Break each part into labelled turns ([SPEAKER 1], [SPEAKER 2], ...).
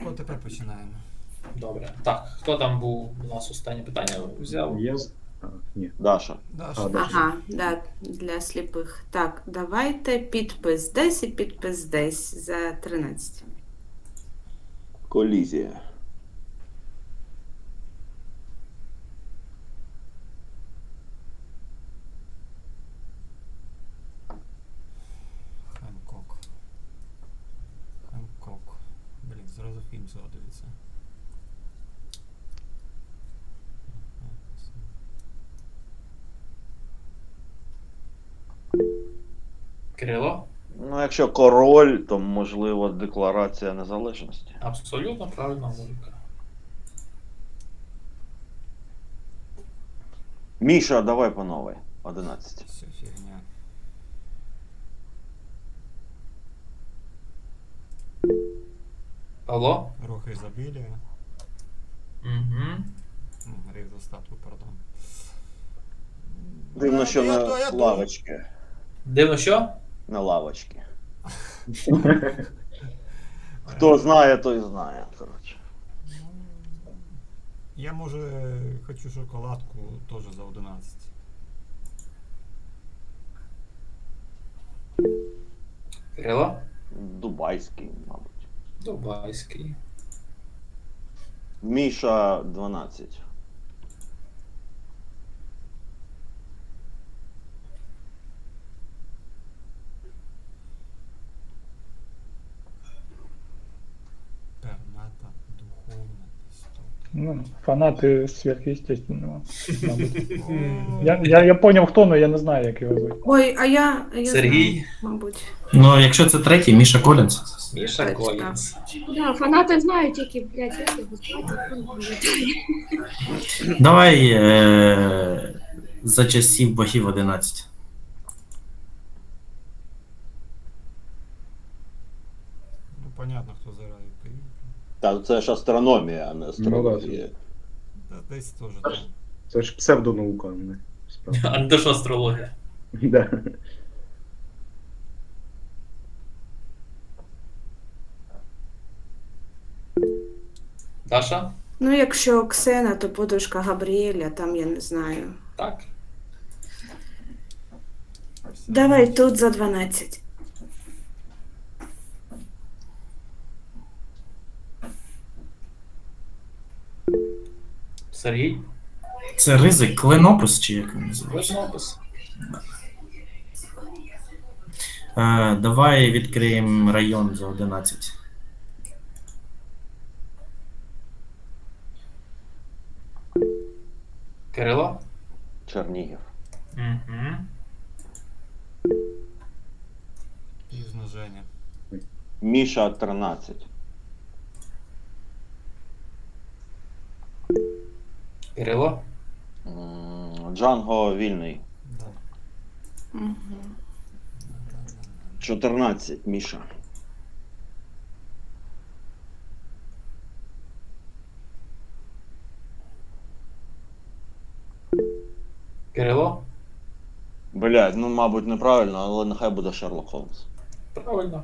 [SPEAKER 1] От тепер починаємо.
[SPEAKER 2] Добре. Так, хто там був у нас останнє питання взяв?
[SPEAKER 3] Я... Ні.
[SPEAKER 4] Даша.
[SPEAKER 1] Даша.
[SPEAKER 3] А, Даша.
[SPEAKER 5] Ага, да, для сліпих. Так, давайте підпис десь і підпис десь за 13.
[SPEAKER 4] Колізія.
[SPEAKER 1] Ханкок. Ханкок. Блін, зразу фільм згадується.
[SPEAKER 2] Кирило?
[SPEAKER 4] Ну, якщо король, то можливо Декларація Незалежності.
[SPEAKER 2] Абсолютно правильна логіка.
[SPEAKER 4] Міша, давай по новій. 11.
[SPEAKER 1] Все фігня.
[SPEAKER 2] Павло?
[SPEAKER 1] Рух ізобілія.
[SPEAKER 2] Угу.
[SPEAKER 1] Гріх достатку, пардон.
[SPEAKER 4] Дивно, що
[SPEAKER 1] Я
[SPEAKER 4] на
[SPEAKER 1] думаю.
[SPEAKER 4] лавочці.
[SPEAKER 2] Дивно що?
[SPEAKER 4] На лавочці. Хто знає, той знає. Коротше.
[SPEAKER 1] Я, може, хочу шоколадку теж за 11.
[SPEAKER 2] Кирило?
[SPEAKER 4] Дубайський, мабуть.
[SPEAKER 2] Дубайський.
[SPEAKER 4] Міша 12.
[SPEAKER 1] Перната, духовна істота.
[SPEAKER 6] Ну, фанаты сверхъестественного, мабуть.
[SPEAKER 1] О,
[SPEAKER 6] Я понял, хто, но я не знаю, як його звуть.
[SPEAKER 5] Ой, а я
[SPEAKER 2] Сергій?
[SPEAKER 5] знаю, мабуть.
[SPEAKER 7] Ну, якщо це третій, Міша Колінс.
[SPEAKER 2] Міша
[SPEAKER 5] Точно.
[SPEAKER 2] Колінс.
[SPEAKER 8] Да, фанати знають, які, блядь, як його звати.
[SPEAKER 7] Давай за часів богів 11.
[SPEAKER 1] ну, понятно, хто заради поїхав.
[SPEAKER 4] Та це ж астрономія, а не астрологія.
[SPEAKER 1] Та десь теж там.
[SPEAKER 3] Це ж псевдонаука, не справа.
[SPEAKER 2] А де ж астрологія?
[SPEAKER 3] Да.
[SPEAKER 2] Даша?
[SPEAKER 5] Ну, якщо Оксена, то подружка Габріеля, там я не знаю.
[SPEAKER 2] Так.
[SPEAKER 5] Давай тут за 12.
[SPEAKER 2] Сергій?
[SPEAKER 7] Це ризик, клинопис чи як він називається?
[SPEAKER 2] Клинопис.
[SPEAKER 7] Давай відкриємо район за 11.
[SPEAKER 2] Кирило?
[SPEAKER 4] Чернігів.
[SPEAKER 2] Угу.
[SPEAKER 1] Пізно Женя.
[SPEAKER 4] Міша 13.
[SPEAKER 2] Кирило?
[SPEAKER 4] Джанго вільний.
[SPEAKER 1] Да.
[SPEAKER 5] Угу.
[SPEAKER 4] 14. Міша.
[SPEAKER 2] Кирило?
[SPEAKER 4] Блядь, ну мабуть неправильно, але нехай буде Шерлок Холмс.
[SPEAKER 2] Правильно.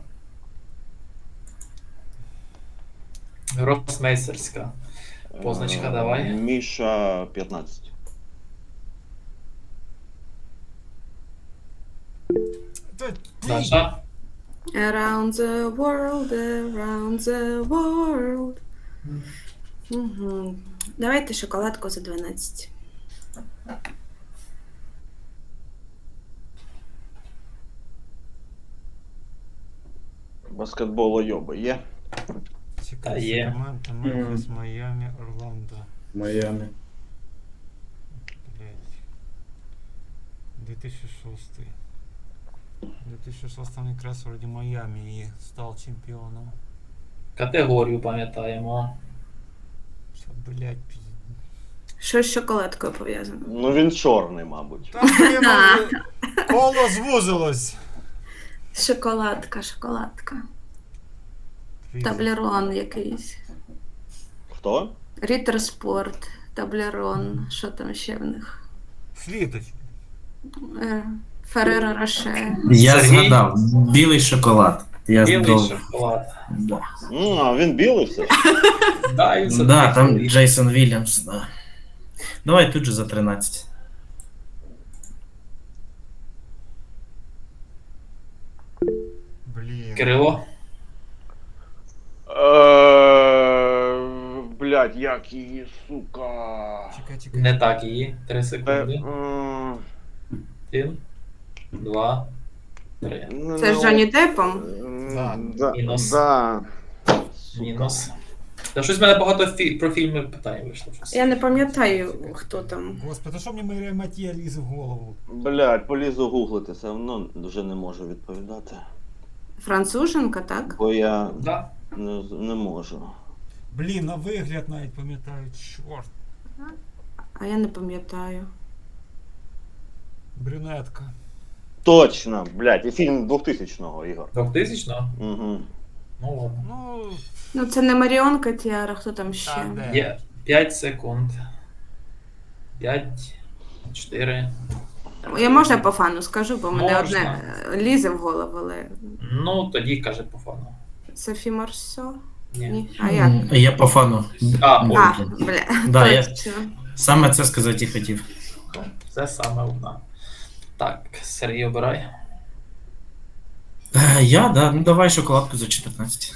[SPEAKER 2] Гросмейстерська. Позначка давай.
[SPEAKER 4] Міша 15.
[SPEAKER 1] Та,
[SPEAKER 2] Даша?
[SPEAKER 5] Around the world. Угу. Давайте шоколадку за 12.
[SPEAKER 4] Баскетбол йоби є?
[SPEAKER 1] Чекай,
[SPEAKER 2] Та є.
[SPEAKER 1] Сакраменто, Мемфіс, Майамі, Орландо.
[SPEAKER 3] Майами.
[SPEAKER 1] Блять. 2006. В 2006 он якраз вроді Майамі і став чемпіоном.
[SPEAKER 2] Категорію пам'ятаємо.
[SPEAKER 1] Що, блять,
[SPEAKER 5] Що з шоколадкою пов'язано?
[SPEAKER 4] Ну він чорний, мабуть.
[SPEAKER 1] Там блін, коло звузилось.
[SPEAKER 5] Шоколадка. Таблерон якийсь.
[SPEAKER 4] Хто?
[SPEAKER 5] Рітерспорт, таблерон. Що там ще в них?
[SPEAKER 1] Слідочка.
[SPEAKER 5] Ферреро Роше.
[SPEAKER 7] Я
[SPEAKER 2] Сергій?
[SPEAKER 7] згадав, білий шоколад. Я
[SPEAKER 2] Білий
[SPEAKER 7] здов.
[SPEAKER 2] шоколад.
[SPEAKER 7] Да.
[SPEAKER 4] А він білий все ж?
[SPEAKER 2] Да, він
[SPEAKER 7] Да,
[SPEAKER 2] все-таки
[SPEAKER 7] там
[SPEAKER 2] білий.
[SPEAKER 7] Джейсон Вільямс, да. Давай тут же за 13.
[SPEAKER 1] Блін.
[SPEAKER 2] Кирило.
[SPEAKER 4] Блять, як її, сука.
[SPEAKER 1] Чекай.
[SPEAKER 2] Не так її. 3
[SPEAKER 4] Е,
[SPEAKER 2] секунди.
[SPEAKER 4] м,
[SPEAKER 2] 1, 2, 3.
[SPEAKER 5] Це з Джонні Деппом?
[SPEAKER 2] Мінус.
[SPEAKER 4] Да.
[SPEAKER 2] Мінус. Та щось в мене багато про фільми питань вийшло. Щось.
[SPEAKER 5] Я не пам'ятаю, хто там.
[SPEAKER 1] Господи, що мені Марія Матія лізе в голову?
[SPEAKER 4] Блять, полізу гуглити, все одно вже не можу відповідати.
[SPEAKER 5] Француженка, так?
[SPEAKER 4] Бо я
[SPEAKER 2] Да.
[SPEAKER 4] не можу.
[SPEAKER 1] Блін, на вигляд навіть пам'ятаю, чорт.
[SPEAKER 5] А я не пам'ятаю.
[SPEAKER 1] Брюнетка.
[SPEAKER 4] Точно, блять, і фільм 2000-го, Ігор.
[SPEAKER 2] 2000-го?
[SPEAKER 4] Угу.
[SPEAKER 2] Ну ладно.
[SPEAKER 1] Ну,
[SPEAKER 5] Ну, це не Маріон Котіара, хто там ще?
[SPEAKER 1] та де?
[SPEAKER 2] Є 5 секунд. 5, 4.
[SPEAKER 5] Я можна по фану скажу, бо мене
[SPEAKER 2] Можна.
[SPEAKER 5] одне лізе в голову, але.
[SPEAKER 2] Ну, тоді каже по фану.
[SPEAKER 5] Софі Марсо?
[SPEAKER 2] Ні.
[SPEAKER 5] Ні. А як?
[SPEAKER 7] Я по фану.
[SPEAKER 2] А,
[SPEAKER 5] А,
[SPEAKER 7] Блін.
[SPEAKER 5] бля.
[SPEAKER 7] Да, я
[SPEAKER 5] точно.
[SPEAKER 7] саме це сказати і хотів.
[SPEAKER 2] Ну, це саме одна. Так, Сергій, обирай.
[SPEAKER 7] Я, да, ну давай шоколадку за 14.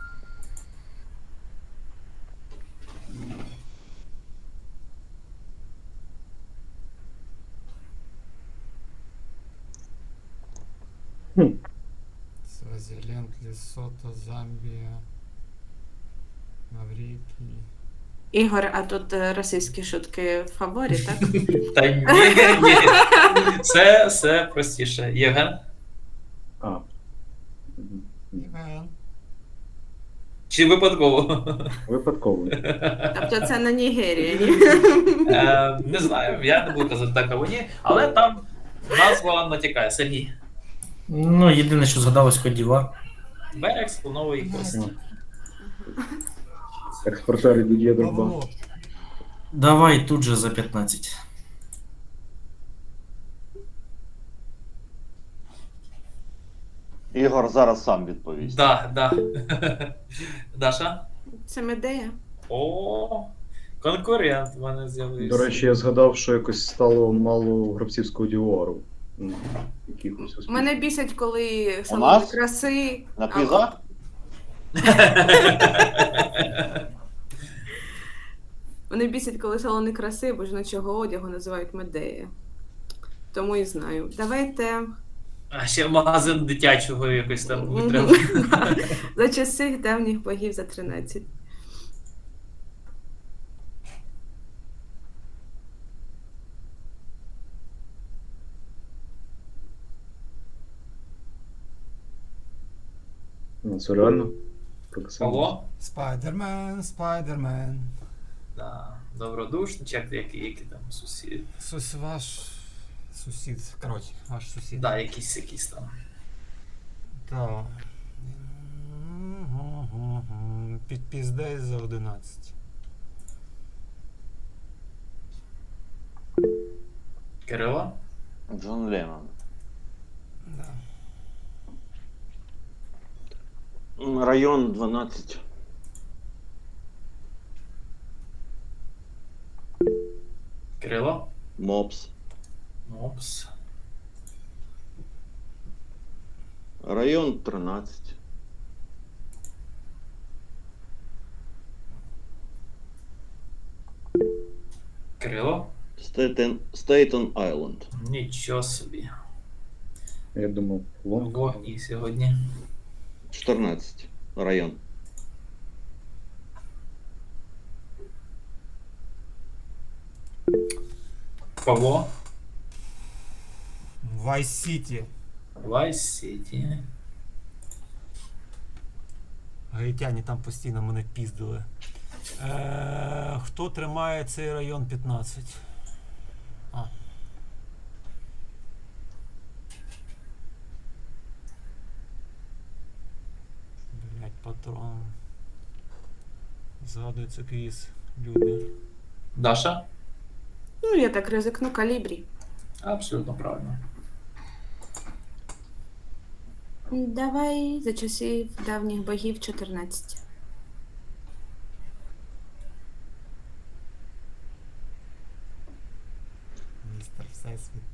[SPEAKER 1] Свазіленд, Лесото, Замбія, Маврикій.
[SPEAKER 5] Ігор, а тут російські шутки в фаворі, так?
[SPEAKER 2] Та ні. Це все простіше. Євген?
[SPEAKER 3] А. Ні.
[SPEAKER 1] Іван.
[SPEAKER 2] Чи випадково?
[SPEAKER 3] Випадково.
[SPEAKER 5] Тобто це на Нігерії, ні?
[SPEAKER 2] Не знаю, я не буду казати так або ні, але там назва натякає. Сергій.
[SPEAKER 7] Ну, єдине, що згадалось Кодівар.
[SPEAKER 2] Берег слонової кості.
[SPEAKER 3] Експортери Дід'є Дрогба.
[SPEAKER 1] Павло.
[SPEAKER 7] Давай тут же за 15.
[SPEAKER 4] Ігор зараз сам відповість.
[SPEAKER 2] Да. Даша?
[SPEAKER 5] Це Медея.
[SPEAKER 2] О, конкурент в мене з'явився.
[SPEAKER 3] До речі, я згадав, що якось стало мало гравцівського діору. Якихось
[SPEAKER 5] Мене бісять, коли
[SPEAKER 4] У
[SPEAKER 5] салони
[SPEAKER 4] нас?
[SPEAKER 5] краси.
[SPEAKER 4] На квізах?
[SPEAKER 5] Вони бісять, коли салони краси, бо жіночого одягу називають Медея. Тому і знаю. Давайте
[SPEAKER 2] А ще магазин дитячого якось там
[SPEAKER 5] Мгм.
[SPEAKER 2] треба.
[SPEAKER 5] за часи давніх богів за 13.
[SPEAKER 3] Ну, це реально? Показали.
[SPEAKER 2] Павло?
[SPEAKER 1] Спайдермен.
[SPEAKER 2] Да. Добродушний, чи які там сусід.
[SPEAKER 1] Ваш сусід. Коротше, ваш сусід.
[SPEAKER 2] Да, якісь там.
[SPEAKER 1] Так. Підпіздей за 11.
[SPEAKER 2] Кирило?
[SPEAKER 4] Джон Леннон.
[SPEAKER 1] Да.
[SPEAKER 4] Район 12.
[SPEAKER 2] Кирило?
[SPEAKER 4] Мопс.
[SPEAKER 2] Опс.
[SPEAKER 4] Район 13.
[SPEAKER 2] Кирило?
[SPEAKER 4] Стейтен Айленд.
[SPEAKER 2] Нічого собі.
[SPEAKER 3] Я думав, Лонг.
[SPEAKER 2] Вогні сьогодні.
[SPEAKER 4] 14. Район.
[SPEAKER 2] Павло?
[SPEAKER 1] Vice City.
[SPEAKER 2] Vice City.
[SPEAKER 1] Гаїтяні там постійно мене піздили. Хто тримає цей район 15? А. Блять, патрон. Згадується квіз. Люди.
[SPEAKER 2] Даша?
[SPEAKER 5] Ну, я так ризикну, Калібрі.
[SPEAKER 2] Абсолютно правильно.
[SPEAKER 5] Давай за часів давніх богів 14.
[SPEAKER 1] Містер Всесвіт.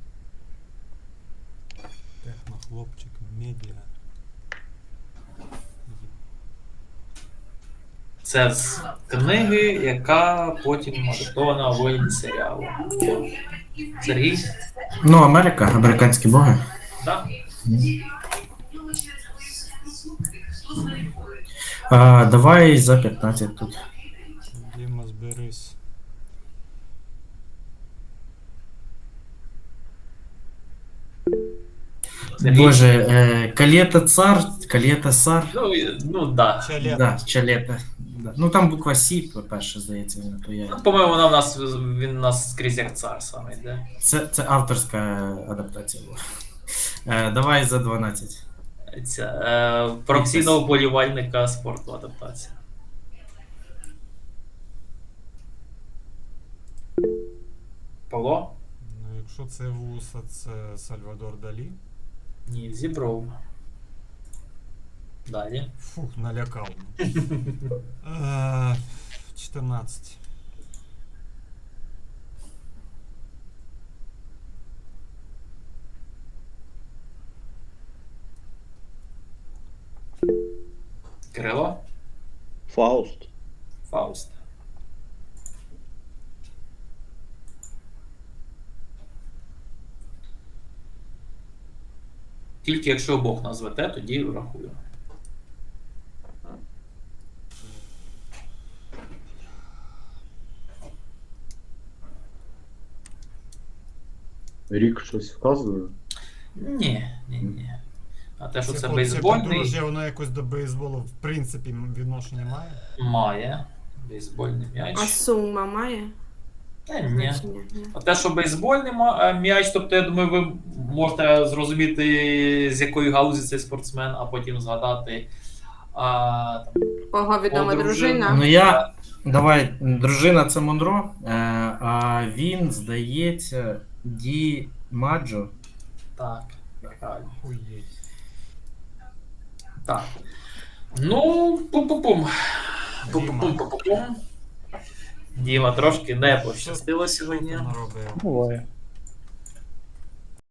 [SPEAKER 1] Технохлопчик, медіа.
[SPEAKER 2] Це з книги, яка потім адаптована в вигляді серіалу. Сергій?
[SPEAKER 7] Ну, Америка, американські боги.
[SPEAKER 2] Так?
[SPEAKER 7] Давай за 15 тут.
[SPEAKER 1] Діма, зберись.
[SPEAKER 2] Сергій?
[SPEAKER 7] Боже, Калета цар, Калета цар.
[SPEAKER 2] Ну да.
[SPEAKER 1] Чалет.
[SPEAKER 7] Да, Чалета. Да. Ну там буква Сі, по-перше, здається, то я.
[SPEAKER 2] По-моєму, він у нас скрізь як цар саме йде.
[SPEAKER 7] Це авторська адаптація була. Давай за 12.
[SPEAKER 2] Професійного болівальника спорту адаптація. Павло?
[SPEAKER 1] Ну, якщо це вуса, це Сальвадор Далі.
[SPEAKER 2] Ні, Зібров. Далі.
[SPEAKER 1] Фух, налякав. 14.
[SPEAKER 2] Кирило?
[SPEAKER 4] Фауст.
[SPEAKER 2] Фауст. Тільки якщо обох назвете, тоді врахую.
[SPEAKER 3] Рік щось вказує.
[SPEAKER 2] Ні. А те, що це
[SPEAKER 1] Це
[SPEAKER 2] бейсбольний,
[SPEAKER 1] подружжя, воно якось до бейсболу в принципі відношення має.
[SPEAKER 2] має. Бейсбольний м'яч.
[SPEAKER 5] А сума має?
[SPEAKER 2] Та ні.
[SPEAKER 5] Значення? Ні.
[SPEAKER 2] А те, що бейсбольний м'яч, тобто, я думаю, ви можете зрозуміти, з якої галузі цей спортсмен, а потім згадати. Там,
[SPEAKER 5] Кого відома дружина?
[SPEAKER 7] Ну я. Давай, дружина це Монро, а він, здається, Ді Маджо.
[SPEAKER 2] так, правильно.
[SPEAKER 1] Хуєть.
[SPEAKER 2] Так. Ну, пум-пум-пум. Пум-пум-пум-пум-пум. Діма трошки не пощастило
[SPEAKER 1] Що
[SPEAKER 2] сьогодні.
[SPEAKER 1] ти наробив?
[SPEAKER 6] Буває.